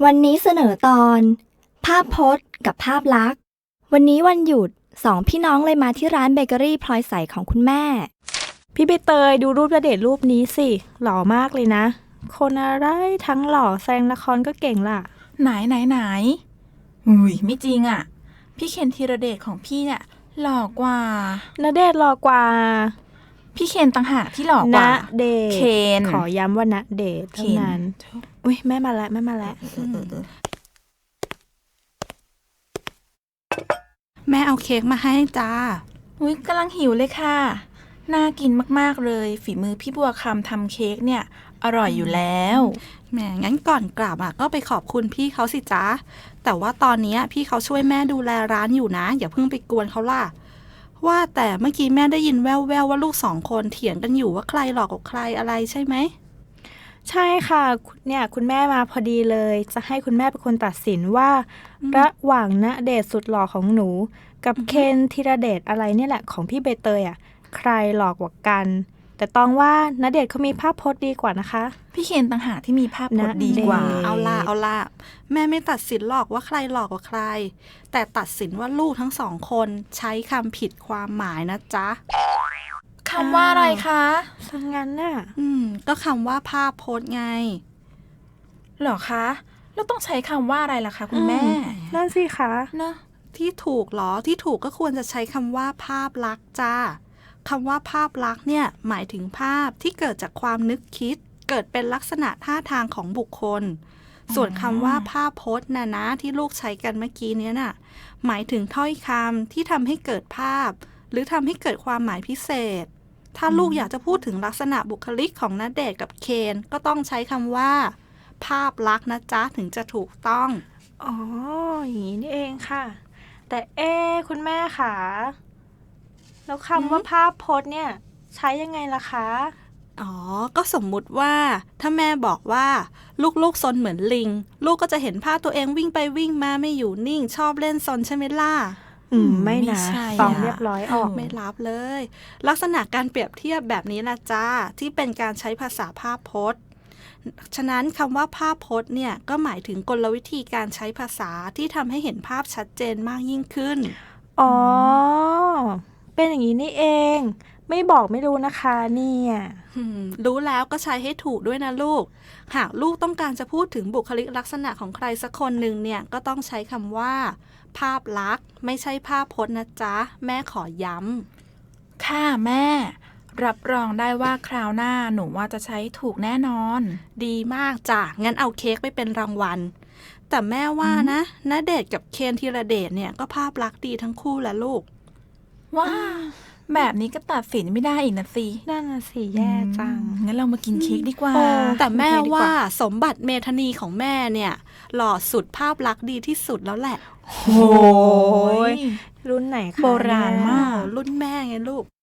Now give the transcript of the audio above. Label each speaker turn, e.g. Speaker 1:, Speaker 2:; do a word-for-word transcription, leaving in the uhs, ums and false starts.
Speaker 1: วันนี้เสนอตอนภาพพจน์กับภาพลักษณ์วันนี้วันหยุดสองพี่น้องเลยมาที่ร้านเบเกอรี่พลอยใสของคุณแม่
Speaker 2: พี่ใบเตยดูรูปณเดชน์รูปนี้สิหล่อมากเลยนะคนอะไรทั้งหล่อแสดงละครก็เก่งล่ะ
Speaker 3: ไหนไหนไหนอุ้ยไม่จริงอ่ะพี่เคนธีรเดชของพี่เนี่ยหล่อกว่า
Speaker 2: ณเดชน์หล่อกว่า
Speaker 3: พี่เคนต่างหากที่หล่อกว่า
Speaker 2: ณเดชน์
Speaker 3: เคน
Speaker 2: ขอย้ำว่าณเดชน์เท่านั้นอุ้ยแม่มาแล้วแม่มาแล้ว
Speaker 4: แม่เอาเค้กมาให้จ้า
Speaker 3: อุ้ยกำลังหิวเลยค่ะน่ากินมากๆเลยฝีมือพี่บัวคำทำเค้กเนี่ยอร่อยอยู่แล้ว
Speaker 4: แหมงั้นก่อนกลับอ่ะก็ไปขอบคุณพี่เขาสิจ้าแต่ว่าตอนนี้พี่เขาช่วยแม่ดูแลร้านอยู่นะอย่าเพิ่งไปกวนเขาล่ะว่าแต่เมื่อกี้แม่ได้ยินแว่วๆว่าลูกสองคนเถียงกันอยู่ว่าใครหลอกกับใครอะไรใช่ไหม
Speaker 2: ใช่ค่ะเนี่ยคุณแม่มาพอดีเลยจะให้คุณแม่เป็นคนตัดสินว่าระหว่างณเดชน์สุดหล่อของหนูกับเคนธีรเดชอะไรเนี่ยแหละของพี่ใบเตยอ่ะใครหลอกกว่ากันแต่ต้องว่าณเดชน์เขามีภาพพจน์ดีกว่านะคะ
Speaker 3: พี่เคนต่างหากที่มีภาพพจน์ดีกว่า
Speaker 4: เอาล่ะเอาล่ะแม่ไม่ตัดสินหรอกว่าใครหลอกกว่าใครแต่ตัดสินว่าลูกทั้งสองคนใช้คำผิดความหมายนะจ๊ะ
Speaker 3: คำว่าอะไรคะ
Speaker 2: สังงั้นน่ะ
Speaker 4: อืมก็คำว่าภาพพจน์ไง
Speaker 3: หรอคะแล้วต้องใช้คำว่าอะไรล่ะคะคุณแม่
Speaker 2: นั่นสิคะ
Speaker 4: นะที่ถูกหรอที่ถูกก็ควรจะใช้คำว่าภาพลักษณ์จ้าคำว่าภาพลักษณ์เนี่ยหมายถึงภาพที่เกิดจากความนึกคิดเกิดเป็นลักษณะท่าทางของบุคคลส่วนคำว่าภาพพจน์นะนะที่ลูกใช้กันเมื่อกี้นี้น่ะหมายถึงถ้อยคำที่ทำให้เกิดภาพหรือทำให้เกิดความหมายพิเศษถ้าลูกอยากจะพูดถึงลักษณะบุคลิกของณเดชน์กับเคนก็ต้องใช้คำว่าภาพลักษณ์นะจ๊ะถึงจะถูกต้อง
Speaker 2: อ๋ออย่างนี้นี่เองค่ะแต่เอ๊คุณแม่ค่ะแล้วคำว่าภาพพจน์เนี่ยใช้ยังไงล่ะคะ
Speaker 4: อ๋อก็สมมุติว่าถ้าแม่บอกว่าลูกๆซนเหมือนลิงลูกก็จะเห็นภาพตัวเองวิ่งไปวิ่งมาไม่อยู่นิ่งชอบเล่นซนใช่ไหมล่ะ
Speaker 2: อืมไม่นะฟังเรียบร้อยออก
Speaker 4: ไม่รับเลยลักษณะการเปรียบเทียบแบบนี้นะจ้าที่เป็นการใช้ภาษาภาพพจน์ฉะนั้นคำว่าภาพพจน์เนี่ยก็หมายถึงกลวิธีการใช้ภาษาที่ทำให้เห็นภาพชัดเจนมากยิ่งขึ้น
Speaker 2: อ๋อเป็นอย่างนี้นี่เองไม่บอกไม่รู้นะคะเนี่ย
Speaker 4: รู้แล้วก็ใช้ให้ถูกด้วยนะลูกหากลูกต้องการจะพูดถึงบุคลิกลักษณะของใครสักคนหนึ่งเนี่ยก็ต้องใช้คำว่าภาพลักษณ์ไม่ใช่ภาพพจน์นะจ๊ะแม่ขอย้
Speaker 3: ำค่ะแม่รับรองได้ว่าคราวหน้าหนูว่าจะใช้ถูกแน่นอน
Speaker 4: ดีมากจ้ะงั้นเอาเค้กไปเป็นรางวัลแต่แม่ว่านะณเดชน์กับเคนธีรเดชเนี่ยก็ภาพลักษณ์ดีทั้งคู่แหละลูก
Speaker 3: ว้าแบบนี้ก็ตัดสินไม่ได้อีกนะสิ
Speaker 2: นั่นน่ะสิแย่จัง
Speaker 3: งั้นเรามากินเค้กดีกว่า
Speaker 4: แต่แม่ว่าสมบัติเมธานีของแม่เนี่ยหล่อสุดภาพลักษณ์ดีที่สุดแล้วแหละ
Speaker 2: โอ้ยรุ่นไหนคะ
Speaker 3: โบราณมาก
Speaker 4: รุ่นแม่ไงลูก